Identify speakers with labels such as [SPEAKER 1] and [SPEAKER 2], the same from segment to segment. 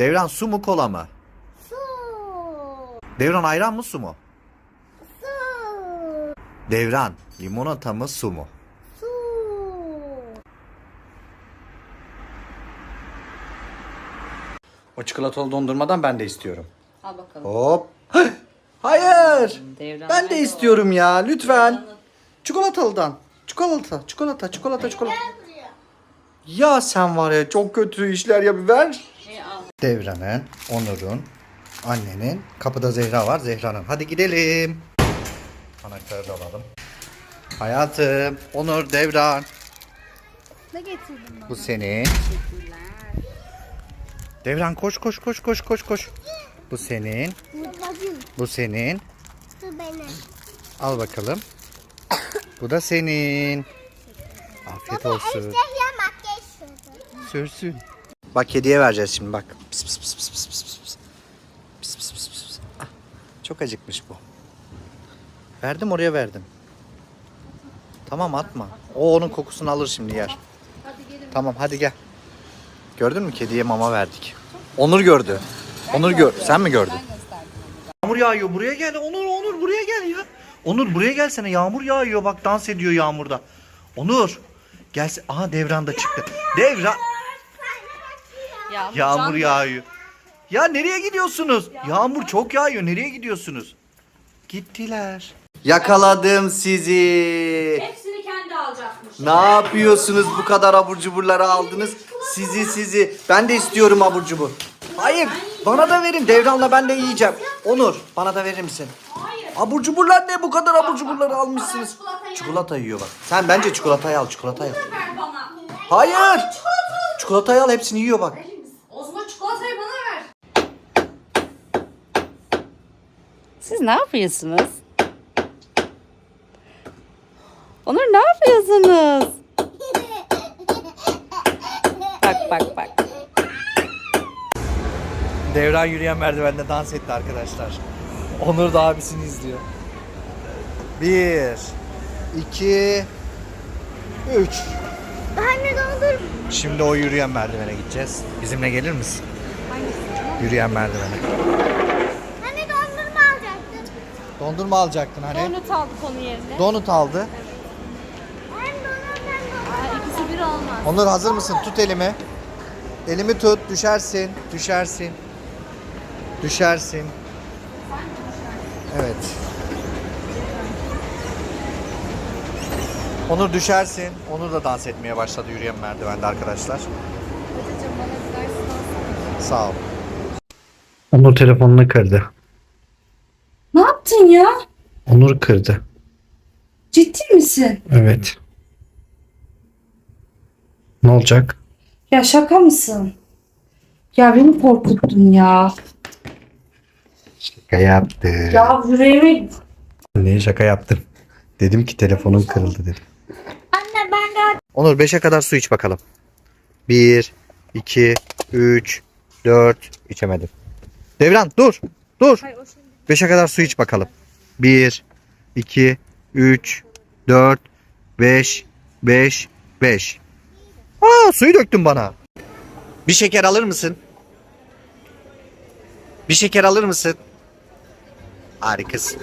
[SPEAKER 1] Devran su mu kola mı?
[SPEAKER 2] Su.
[SPEAKER 1] Devran ayran mı su mu?
[SPEAKER 2] Su.
[SPEAKER 1] Devran limonata mı su mu?
[SPEAKER 2] Su.
[SPEAKER 1] O çikolatalı dondurmadan ben de istiyorum.
[SPEAKER 3] Al bakalım.
[SPEAKER 1] Hop. Hayır.
[SPEAKER 3] Devran
[SPEAKER 1] Ben de
[SPEAKER 3] nerede
[SPEAKER 1] istiyorum ya lütfen.
[SPEAKER 3] Devran'ın-
[SPEAKER 1] Çikolatalıdan. Çikolata.
[SPEAKER 2] Buraya.
[SPEAKER 1] Ya sen var ya çok kötü işler yapıver.
[SPEAKER 3] Al.
[SPEAKER 1] Devran'ın, Onur'un, annenin, kapıda Zehra var, Zehra'nın. Hadi gidelim. Anahtarı da alalım. Hayatım, Onur, Devran.
[SPEAKER 2] Ne getirdin bana?
[SPEAKER 1] Bu senin. Devran koş. Bu senin.
[SPEAKER 2] Babacım.
[SPEAKER 1] Bu senin.
[SPEAKER 2] Su benim.
[SPEAKER 1] Al bakalım. Bu da senin. Afiyet olsun.
[SPEAKER 2] Ejderha makyaj sürdü.
[SPEAKER 1] Sürsün. Bak hediye vereceğiz şimdi bak. Pis pis pis pis pis pis pis pis. Pis pis pis pis. Ah, çok acıkmış bu. Verdim oraya verdim. Tamam atma. O onun kokusunu alır şimdi yer. Tamam hadi gel. Gördün mü kediye mama verdik. Onur gördü. Onur gör. Sen mi gördün? Yağmur yağıyor buraya gel. Onur buraya gel ya. Onur buraya gelsene yağmur yağıyor bak dans ediyor yağmurda. Onur. Gelse. Aha Devran da çıktı. Devran. Yağmur yağıyor. Ya nereye gidiyorsunuz? Yağmur çok yağıyor. Nereye gidiyorsunuz? Gittiler. Yakaladım sizi.
[SPEAKER 3] Hepsini kendi alacakmış.
[SPEAKER 1] Ne yapıyorsunuz bu kadar abur cuburları aldınız? Sizi. Ben de istiyorum abur cubur. Hayır. Bana da verin. Devran'la ben de yiyeceğim. Onur bana da verir misin?
[SPEAKER 3] Hayır.
[SPEAKER 1] Abur cuburlar ne? Bu kadar abur cuburları almışsınız.
[SPEAKER 3] Çikolatayı
[SPEAKER 1] Çikolata yiyor bak. Sen bence çikolatayı al. Çikolatayı al.
[SPEAKER 3] ver bana.
[SPEAKER 1] Hayır. Çikolatayı al. Hepsini yiyor bak.
[SPEAKER 3] O zaman çikolatayı bana ver.
[SPEAKER 4] Siz ne yapıyorsunuz? Onur ne yapıyorsunuz? Bak.
[SPEAKER 1] Devran yürüyen merdivende dans etti arkadaşlar. Onur da abisini izliyor. 1 2 3
[SPEAKER 2] Anne doldur.
[SPEAKER 1] Şimdi o yürüyen merdivene gideceğiz. Bizimle gelir misin? Yürüyen merdivene.
[SPEAKER 2] Anne dondurma alacaktın.
[SPEAKER 1] Dondurma alacaktın hani.
[SPEAKER 4] Donut aldık onun yerine.
[SPEAKER 1] Donut aldı.
[SPEAKER 2] Hem donut hem dondurma.
[SPEAKER 4] İkisi bir olmaz.
[SPEAKER 1] Onur hazır mısın? Tut elimi. Elimi tut. Düşersin. Evet. Onur düşersin. Onur da dans etmeye başladı yürüyen merdivende arkadaşlar. Sağ ol. Onur telefonunu kırdı.
[SPEAKER 4] Ne yaptın ya?
[SPEAKER 1] Onur kırdı.
[SPEAKER 4] Ciddi misin?
[SPEAKER 1] Evet. Ne olacak?
[SPEAKER 4] Ya şaka mısın? Ya beni korkuttun ya.
[SPEAKER 1] Şaka yaptı.
[SPEAKER 4] Ya yüreğime...
[SPEAKER 1] Neye şaka yaptım? Dedim ki telefonun kırıldı dedim.
[SPEAKER 2] Anne ben de
[SPEAKER 1] Onur 5'e kadar su iç bakalım. 1, 2, 3, 4. İçemedim. Devran dur. 5'e kadar su iç bakalım. 1, 2, 3, 4, 5, 5. Aa suyu döktün bana. Bir şeker alır mısın? Harikasın.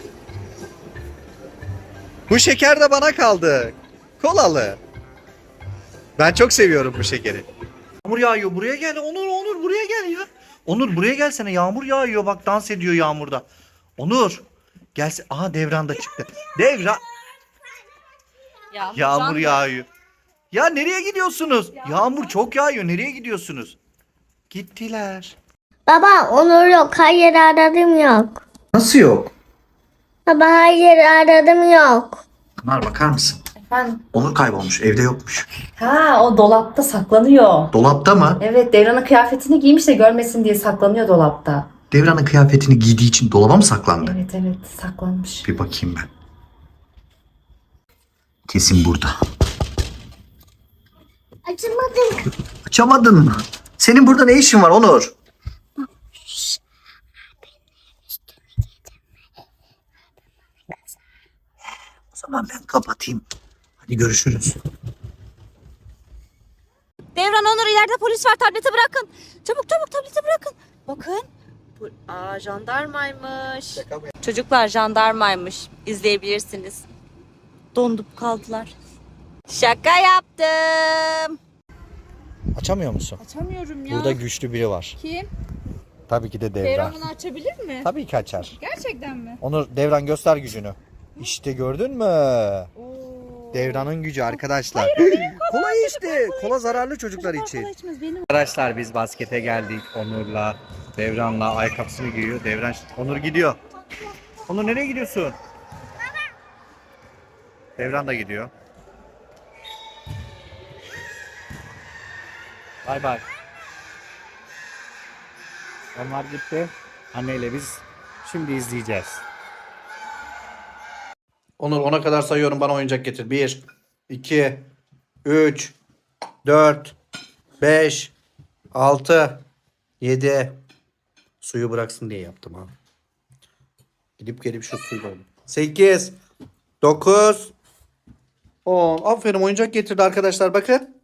[SPEAKER 1] Bu şeker de bana kaldı. Kolalı. Ben çok seviyorum bu şekeri. Yağmur yağıyor. Buraya gel. Onur buraya gel ya. Onur buraya gelsene. Yağmur yağıyor. Bak dans ediyor yağmurda. Onur. Gelse. Aha Devran da çıktı. Devran. Yağmur yağıyor. Ya nereye gidiyorsunuz? Yağmur çok yağıyor. Nereye gidiyorsunuz? Gittiler.
[SPEAKER 2] Baba Onur yok. Hayır aradım yok.
[SPEAKER 1] Nasıl yok?
[SPEAKER 2] Baba hayır aradım yok.
[SPEAKER 1] Pınar bakar mısın?
[SPEAKER 4] Efendim?
[SPEAKER 1] Onur kaybolmuş. Evde yokmuş.
[SPEAKER 4] Ha o dolapta saklanıyor.
[SPEAKER 1] Dolapta mı?
[SPEAKER 4] Evet Devran'ın kıyafetini giymiş de görmesin diye saklanıyor dolapta.
[SPEAKER 1] Devran'ın kıyafetini giydiği için dolaba mı saklandı?
[SPEAKER 4] Evet saklanmış.
[SPEAKER 1] Bir bakayım ben. Kesin burada.
[SPEAKER 2] Açamadım.
[SPEAKER 1] Açamadın mı? Senin burada ne işin var Onur? O zaman ben kapatayım. Hadi görüşürüz.
[SPEAKER 4] Devran Onur ileride polis var tableti bırakın. Çabuk tableti bırakın.
[SPEAKER 5] Bakın. Jandarmaymış. Çocuklar jandarmaymış. İzleyebilirsiniz. Dondup kaldılar. Şaka yaptım.
[SPEAKER 1] Açamıyor musun?
[SPEAKER 5] Açamıyorum ya.
[SPEAKER 1] Burada güçlü biri var.
[SPEAKER 5] Kim?
[SPEAKER 1] Tabii ki de Devran.
[SPEAKER 5] Devran bunu açabilir mi?
[SPEAKER 1] Tabii ki açar.
[SPEAKER 5] Gerçekten mi?
[SPEAKER 1] Onur, Devran göster gücünü. İşte gördün mü?
[SPEAKER 5] Oo.
[SPEAKER 1] Devran'ın gücü arkadaşlar. Kola işte. Kola zararlı çocuklar için.
[SPEAKER 5] Kola içmez, benim.
[SPEAKER 1] Arkadaşlar biz baskete geldik. Onur'la, Devran'la ayakkabısını giyiyor. Devran, Onur gidiyor. Onur nereye gidiyorsun? Devran da gidiyor. Bay bay. Onlar gitti. Anneyle biz şimdi izleyeceğiz. Onur 10'a kadar sayıyorum, bana oyuncak getir. 1, 2, 3, 4, 5, 6, 7. Suyu bıraksın diye yaptım ha. Gidip gelip şu suyu koydum. 8, 9, 10. Aferin, oyuncak getirdi arkadaşlar, bakın.